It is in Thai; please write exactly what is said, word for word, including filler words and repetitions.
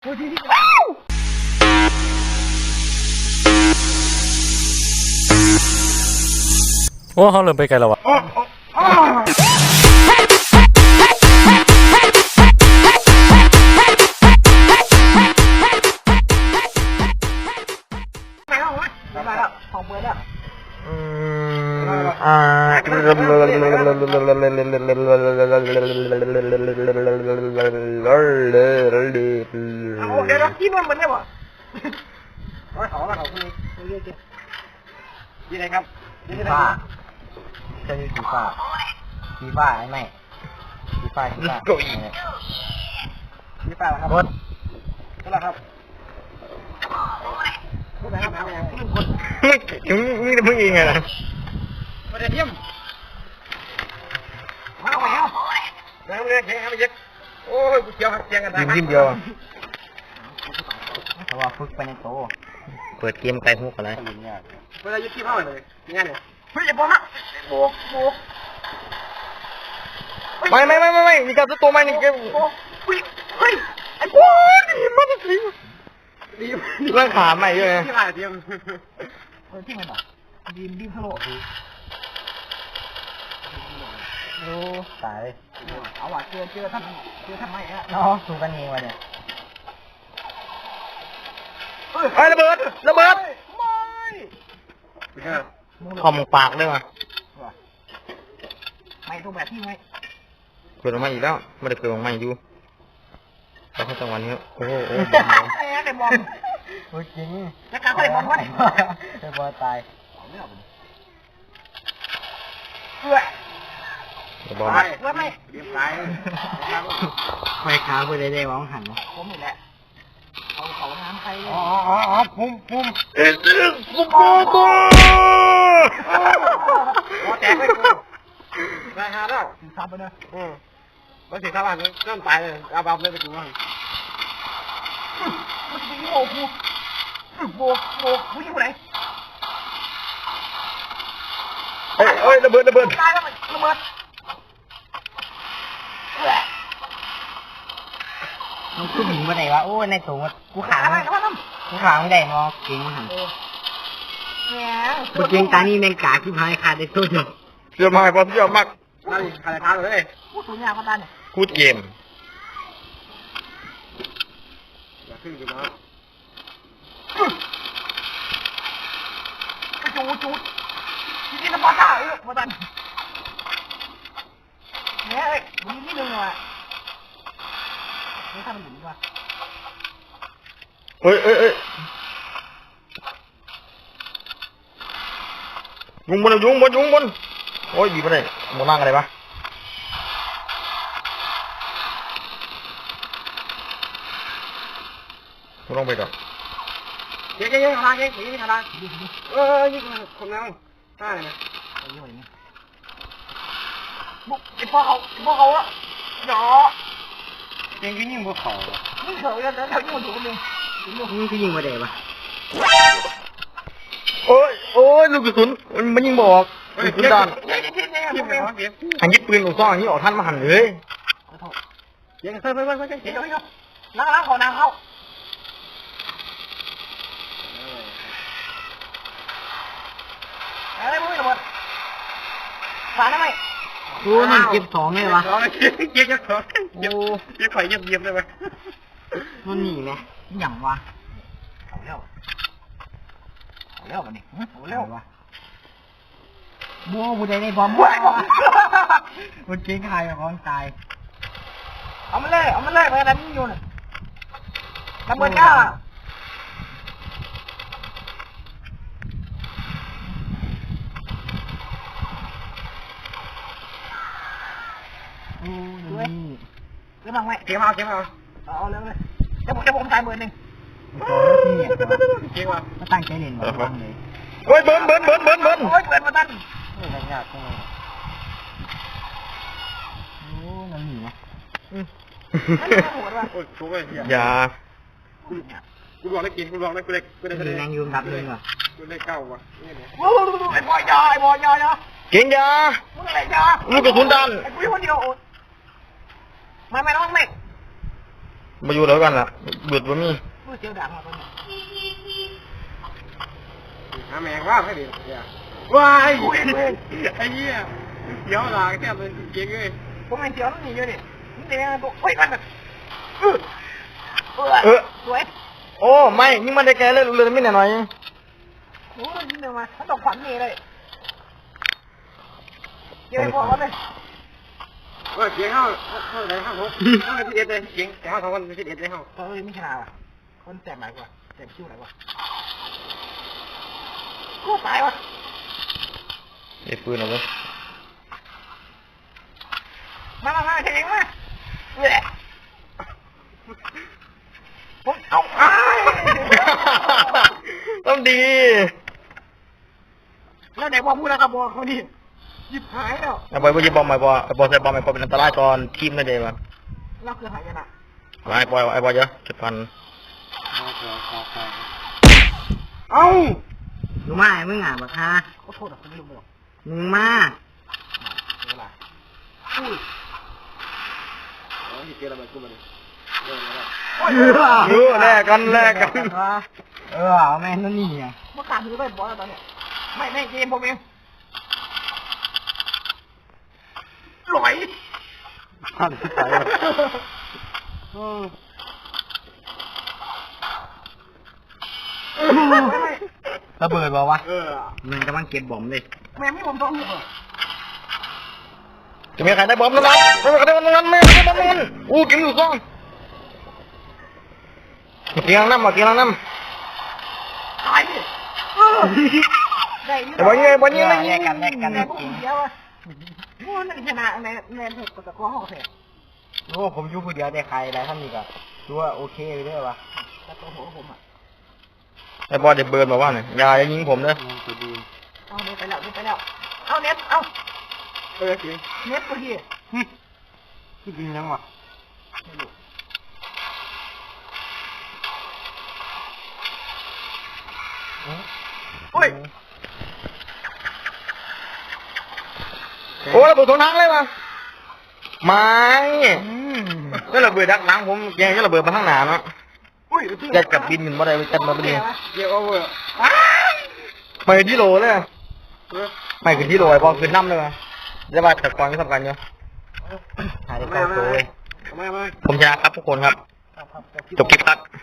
โอ้เขาเริ่มไปไกลแล้ววะอ่าเอาเดี๋ยวที่มันมันได้บ่ร้อยสองร้อยสองคนนี้เยอะจริงยี่ไหนครับยี่ฟ้าใช่สีฟ้าสีฟ้าไอ้ไม่สีฟ้าสีฟ้าสีฟ้าครับรถนั่นแหละครับพูดไปครับเอาอย่างนี้คนไม่ถึงนี่มึงเองไงล่ะมาเดี๋ยวเทียมมาเอาแล้วแล้วเนี่ยแข่งกันไปยึดโอ้ยกูเจียวครับเจียงกันได้ยิ้มยิ้มเดียวเพราะว่าฝึกไปในโตเปิดเกมไกลหุกอะไรเวลายึดที่เท่าเลยงานเนี่ยเฮ้ยอย่าบอกนะโบกโบกไม่ไม่ไม่ไม่ไม่มีการตัวใหม่นี่เกมโบกเฮ้ยเฮ้ยไอ้โบ้นี่มันจะทิ้งดีเรื่องขาใหม่ด้วยนะที่มาเทียมเออที่มันอ่ะดีมดีมทะโลโอ้ตายเอาว่ะเจอเจอท่านเจอท่านไม่ฮะน้องสู้กันเองวะเนี่ยไอ้ระเบิดระเบิดไม่คอมปากได้ป่ะไม่ตัวแบบที่ไม่เกิดออกมาอีกแล้วไม่ได้เกิดออกมาอยู่แล้วเขาจังหวะนี้โอ้โหโอ้ไอ้ไอ้บอลโอ้จริงแล้วการไอ้บอลวะเนี่ยไอ้บอลตายเอื้อบอลตายว่าไม่เรียบร้อยไฟขาเพื่อได้ได้มองหันผมนี่แหละเอาเขาน้ำใครเลยอ๋ออ๋ออ๋อพุ่มพุ่มเอ็ดซึกฟุตบอลตัวหัวแตกเลยกูราคาแล้วสี่สิบไปเลยอืมแล้วสี่สิบอ่ะเริ่มตายเลยเอาแบบเลยไปกูว่ามันจะมีโบกูโบโบกูอยู่ไหนเอ้ยเอ้ยระเบิดระเบิดตายแล้วมันระเบิดมันขึ้นหินมาไหนวะโอ้ในตัวกูขากูขาไม่ได้มอเก่งหันกูเก่งตานี่แมงกาที่พายขาดได้ตัวเดียวเชื่อมากพอเชื่อมากนั่นขาดขาดเลยกูสูงยาวกว่าตาเนี่ยพูดเกมอย่าขึ้นอยู่นะจูจูที่นี่น้ำปลาต้าเออมาตันเนี่ยเอ้ยมันนิดนึงว่ะนี่ทำมันหยุดว่ะเอ้ยเอ้ยเอ้ยยุงบนยุงบนยุงบนโอ้ยบีบไปไหนโมนั่งอะไรปะกูต้องไปก่อนเย้เย้เย้ทางเย้เย้ทางเออยิ่งคนนั้นได้เลยนะบุกไอ้พ่อเขาไอ้พ่อเขาอะหยอเก่งขึ้นยิ่งพวกเขายิ่งเขาแล้วแล้วยิ่งมันถูกนึงนี่คือยิงมาเดะปะโอ้ยโอ้ยลูกกระสุนมันยิงบอกลูกกระสุนด้านเย้เย้เย้เย้เย้หันยิบปืนลูกซองอันนี้ออกท่านมาหันเลยเย้เฮ้ยเฮ้ยเฮ้ยเฮ้ยเฮ้ยเฮ้ยล้างล้างเขาน้ำเขาอะไรมึงระเบิดฝาได้ไหมโอ้นั่นเก็บสองเลยวะเก็บเก็บสองโอ้เก็บไข่เก็บเก็บได้ไหมมันหนีไหมหยั่งวะเอาเร็วเอาเร็วมันนี่เอาเร็ววะบัวบุได้ในบอมบัวมันเก่งใครกับของตายเอามันเลยเอามันเลยมันอะไรมันอยู่น่ะระเบิดก้าด้วยเรื่องมังไหมเก็บเอาเก็บเอาเอาเรื่องเลยจะผมจะผมตายเบอร์หนึ่งเก็บเอามาตั้งใจเล่นมาตั้งเลยโอ้ยเบิ้ลเบิ้ลเบิ้ลเบิ้ลเบิ้ลโอ้ยเบิร์นมาตั้งนี่อะไรยากจังเลยโอ้นั่นหนีนะโอ้ยชูไปเหี้ยอย่ากูบอกได้กินกูบอกได้กูได้กูได้แรงยืมดับเลยว่ะกูได้เก้าว่ะโอ้ไอ้บอยยาไอ้บอยยาเนาะเก่งยามึงอะไรยาลูกกระสุนด้านไอ้กูคนเดียวไม่ไม่น้องไม่มาอยู่แล้วกันล่ะเบิดบ่มีมือเจียวดังมาตอนนี้หาแมงว่าให้ดีเนี่ยว้ายไอ้เหี้ยเดี๋ยวหลังแทบเลยเก่งเลยผมไม่เจียวนั่นนี่อยู่นี่มันเป็นยังไงตัวเฮ้ยมันเออเออสวยโอ้ไม่ยิงมันได้แกเลยเลยไม่หน่อยโอ้ยยิงเร็วมาถ้าต้องขวัญนี่เลยเจียวพอกันเลยว่าเก่งเข้าเข้าไหนเข้าผมเข้าไปที่เอ็ดเลยเก่งแต่เข้าสองคนไปที่เอ็ดเลยเข้าเออไม่ชนะว่ะคนแสบไหนกว่าแสบคิ้วไหนกว่ากูตายวะไอ้ปืนเอาไว้มามามาเองมาเว้ยผมเอาไอ้ต้องดีแล้วไหนบอกพูดแล้วกับบอกเขาดิยิบหายแล้วไอ้บอยบ่ยิงบอมไอ้บอยไอ้บอยใส่บอมไอ้บอยเป็นอันตรายตอนทีมนั่นเองวะเราคือหายนะไอ้บอยไอ้บอยเยอะจุดพันเอ้าดูมาไอ้มึงอ่ะบักฮะขอโทษอ่ะผมไม่รู้ไม่หรอกมึงมาเวลาอุ้ยอ๋อที่เกี่ยวอะไรกูมาดิเรื่องอะไรเออแลกกันแลกกันเออเอาแม่นั่นนี่ไงเมื่อการถือไปบอลแล้วตอนเนี้ยไม่ไม่เกมผมเองหลอยท่านที่ใส่ระเบิดบอกวะเออมึงกำลังเก็บบอมเลยแม่ไม่ผมต้องหัวจะมีใครได้บอมแล้วมั้ยไม่มีใครได้บอมแล้วมั้ยไม่ได้บอมแล้วอู้กินอยู่ซ่องมากินน้ำมากินน้ำตายดิได้ไอ้บอยยิงไอ้บอยยิงไม่ยิงแลกกันแลกกันแลกกันเดียวอ่ะโอ้นั่นชนะในในเถิดกับตะก้อห้องเสร็จโอ้ผมอยู่คนเดียวได้ใครอะไรท่านนี่ก็ดูว่าโอเคไปด้วยวะตะก้อหัวผมอ่ะไอ้บอยเด็กเบิร์นบอกว่าเนี่ยอย่ายิงผมเด้อเอาเน็ตไปแล้วเน็ตไปแล้วเอาเน็ตเอาเออจริงเน็ตกูทีจริงยังวะโอ้ยโอ้ระเบิดสองทางเลยวะไม่ก็ระเบิดดักหลังผมแกงก็ระเบิดมาข้างหน้าเนาะอุ้ยจัดกับบินมันมาได้จัดมาพอดีเกี่ยวเอาเวอร์ไปที่โลเลยไม่ขึ้นที่โลไอ้บอลขึ้นน้ำเลยมั้ยจะมาแต่ก่อนก็สำคัญอยู่ถ่ายได้ไม่เก้าไม่ตัวเว้ยไม่ไม่ผมชนะครับทุกคนครับจบคลิปครับ